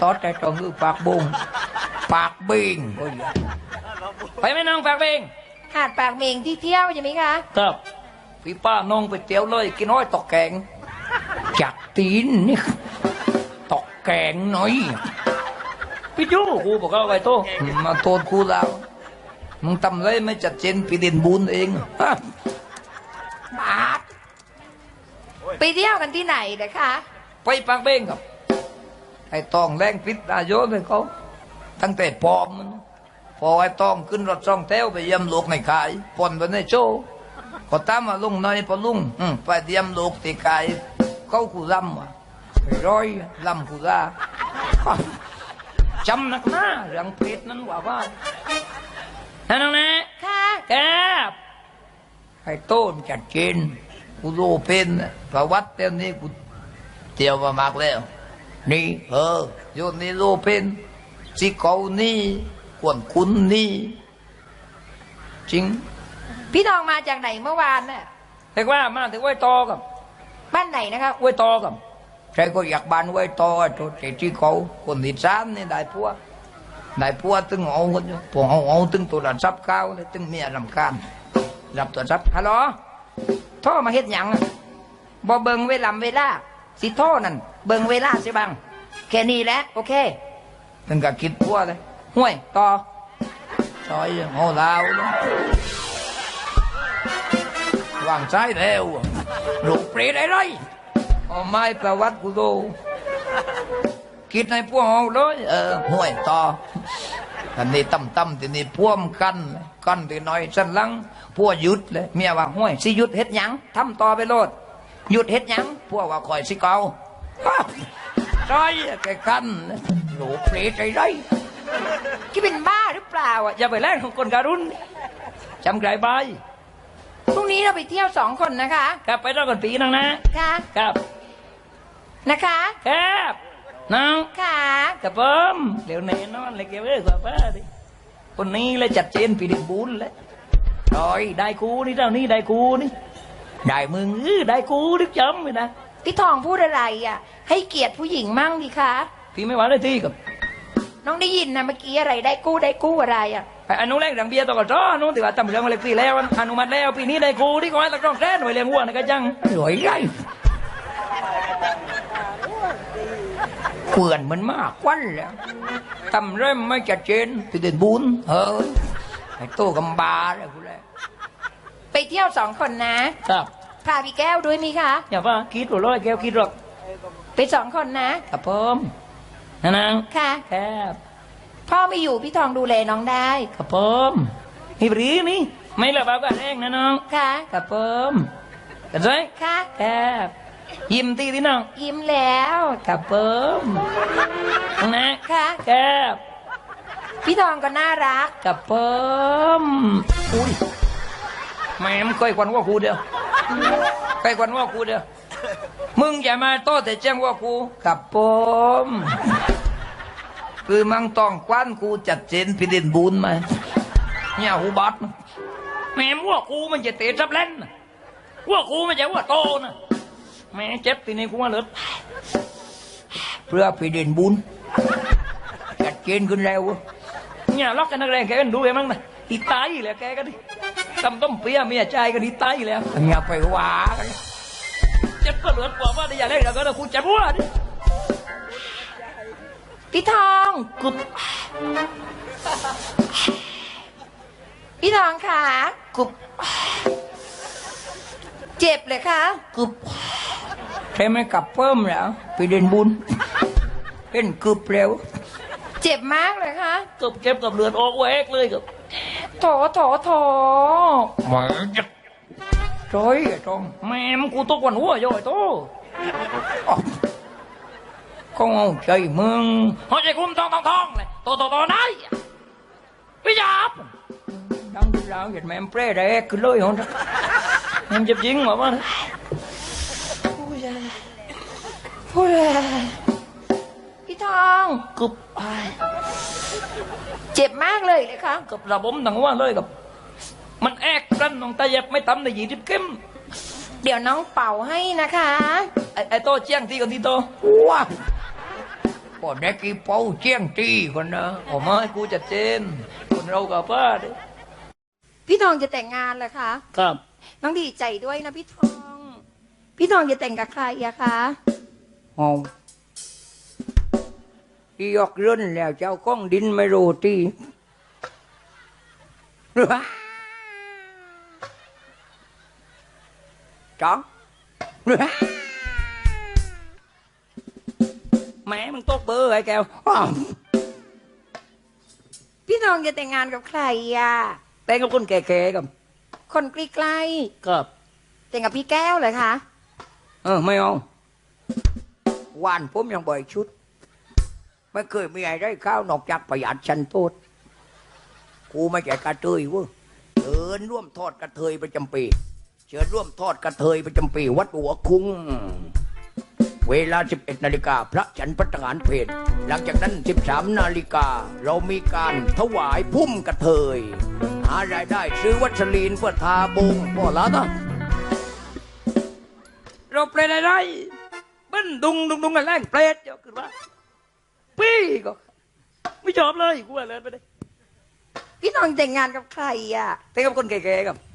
ตอดแต่ตรงคือปากบุงปากเบงก็อย่าไปไหมน้องปากเบงหาดปากเมงที่เที่ยวใช่ไหมคะครับพี่ป้าน้องไปเตี๋ยวเลยกินน้อยตอกแกงจักตีนนี่ตอกแกงหน่อยพี่จู้กูบอกว่าไว้โตมาโทษกูแล้วมึงทำไรไม่จัดเจนพี่เด่นบุญเองบาปไปเที่ยวกันที่ไหนนะคะไปปากเบ้งครับไอ้ตองแรงพิษอายุเลยเขาตั้งแต่ปอมมันพอไอ้ตองขึ้นรถช่องแถวไปเยี่ยมลูกในขายปนไปในโชว์ก็ตามมาลุงน้อยพอลุงไปเยี่ยมลูกที่ขายเขาขู่ลำว่ะร้อยลำขู่ลาจำนักหน้าเรื่องเพชรนั้นว่าท่านน้องนะค่ะแกไอ้โต้นจัดเจนกูโลเป็นประวัติเต็มนี้กูเที่ยวมามากแล้วนี่โยนนี่โลเป็นสิเกานี่กวนคุณนี่จริงพี่ทองมาจากไหนเมื่อวานน่ะเรียกว่ามาถึงไว้ตอกับบ้านไหนนะครับไว้ตอกับใครก็อยากบ้านไว้ตอตัวที่เขาคนที่สามนี่ได้พัวตึงเอาคนอยู่พวกเอาตึงตัวระดับเก้าเลยตึงเมียรำคาญรับตัวรับฮัลโหลโทรมาเฮ็ดหยังบ่เบิ่งเวลาสิโทรนั่นเบิ่งเวลาสิบังแค่นี้แหละโอเคถึงกับคิดพัวเลยห่วยต่อซอยโง่ลาววางใจแล้วลูกเปรตอะไรเอาไม้ประวัติกูดูคิดในพวกเอาเลยห่วยต่ออันนี้ตั้มทีนี้พ่วมกันทีน้อยสั้นลังพวกหยุดเลยเมียว่าห่วยสิหยุดเฮ็ดหยังทำต่อไปโลดหยุดเฮ็ดหยังพวกว่าคอยสิเกาใช่แกกันหลูเปรตใจไรคิดเป็นบ้าหรือเปล่าอ่ะอย่าไปแลกของคนการุณจำไกลไปพรุ่งนี้เราไปเที่ยว2 คนนะคะครับไปรอบก่อนปีนึงนะค่ะครับนะคะครับน้องค่ะกับผมเดี๋ยวนี้นอนเลยเกี่ยวกับป้าดิคนนี้เลยจัดเจนปีเด็กบุญเลยรอยได้กูนี่เจ้านี่ได้กูนี่ได้มึงได้กูดิจำเลยนะพี่ทองพูดอะไรอ่ะให้เกียรติผู้หญิงมั่งดิคะพี่ไม่หวานเลยที่กับน้องได้ยินนะเมื่อกี้อะไรได้กู้อะไรอ่ะอนุแรกดังเบียร์ต่อก่อนจ้อนู้นแต่ว่าทำเรื่องอะไรปีแล้วอนุมัติแล้วปีนี้ได้กูที่ขอให้ตะกร้องแท้หน่วยเลี้ยงวัวนะก็จังรวยไรเปื่อนมันมากควันแล้วทำเริ่มไม่จัดเจนปีเด่นบุญไอ้โตกำบาเลยกูเลยไปเที่ยว2 คนนะครับพาพี่แก้วด้วยมีคะอย่าว่าคิดหรอกแก้วคิดหรอกไป2 คนนะครับผมนางค่ะครับพ่อไม่อยู่พี่ทองดูแลน้องได้ครับผมนี่ปรีนี่ไม่ละบ้าก็แรงนะน้องค่ะครับผมกันเลยค่ะครับยิ้มตีที่น้องยิ้มแล้วครับผมนะค่ะครับพี่ทองก็น่ารักครับผมอุ้ยแม่มึงเคยควันว่ากูเดียวเคยควันว่ากูเดียวมึงอย่ามาโต้แต่แจ้งว่ากูครับผมคือมังต้องควันกูจัดเจนพิเด่นบุญมาเนี่ยหูบัดแม่ว่ากูมันจะเตะจับเล่นว่ากูมันจะว่าโตนะแม่เจ็บทีนี้กูมาเลิศเพื่อพิเด่นบุญจัดเจนขึ้นแล้วเนี่ยล็อกกันนักแรงแกกันดูเองมั้งนะอีตายแล้วแกกันดิทำต้มเปี๊ยะเมียใจกันอีตายแล้วอย่าไปว่ากันเจ็บก็เหลือกว่าว่าได้อย่าเล่นแล้วก็ต้องกูเจ็บว่าดิพี่ทองกุบพี่ทองค่ะกุบเจ็บเลยค่ะกุบใช่ไหมกลับเพิ่มแล้วไปเดินบุญเป็นกุบเร็วเจ็บมากเลยค่ะกุบเจ็บกับเลือดออกแวกเลยกับโถหมาจะร้อยตรงแม่มกูตกวันหัวย่อยโตก็เอาใจมึงหัวใจคุ้มทองเลยโตได้พี่จับดังที่เราเห็นแม่เปรี้ยได้คือเลยหงแม่จะยิงมาบ้างพี่ทองกุบเจ็บมากเลยค่ะกับระบบดังว่าเลยกับมันแอกกันน้องตาเย็บไม่ตำในยีดิบเข้มเดี๋ยวน้องเป่าให้นะคะไอ้โตเจียงที่กันที่โตว้าก็เด็กกี่เป้าเจียงตีคนนะโอ้ไม่กูจะเจนคนเรากับป้าดิพี่ทองจะแต่งงานเหรอคะครับน้องดีใจด้วยนะพี่ทอง พี่ทองจะแต่งกับใครอะคะห้องที่ยกเรื่นแล้วเจ้าก้องดินไม่รู้ตีจ้องแม่มึงตกเบอร์ไอ้แก้วพี่ทองจะแต่งงานกับใครอะแต่งกับคนแก่ๆกับคนใกล้กับๆแต่งกับพี่แก้วเหรอคะไม่เอาวานผมยังบ่อยชุด ไม่เคยมีอะไรได้ข้าวนอกจากประหยัดชันโทษกูไม่ใช่กระเทยเว้ยเชิญร่วมทอดกระเทยประจำปีเชิญร่วมทอดกระเทยประจำปีวัดหัวคุ้ง เวลา 11 นาฬิกาพระฉันพัฒหารเพลหลังจากนั้น 13 นาฬิกาเรามีการถวายพุ่มกระเทยหารายได้ซื้อวัสลีนเพื่อทาบุงพ่อละนะเราเปรตอะไรเบิ้นดุงกันแรงเปรตเยอะขึ้นว่าพี่ก็ไม่ชอบเลยกูอะไรไปเลยพี่ทองแต่งงานกับใครอะแต่กับคนแก่ๆกับ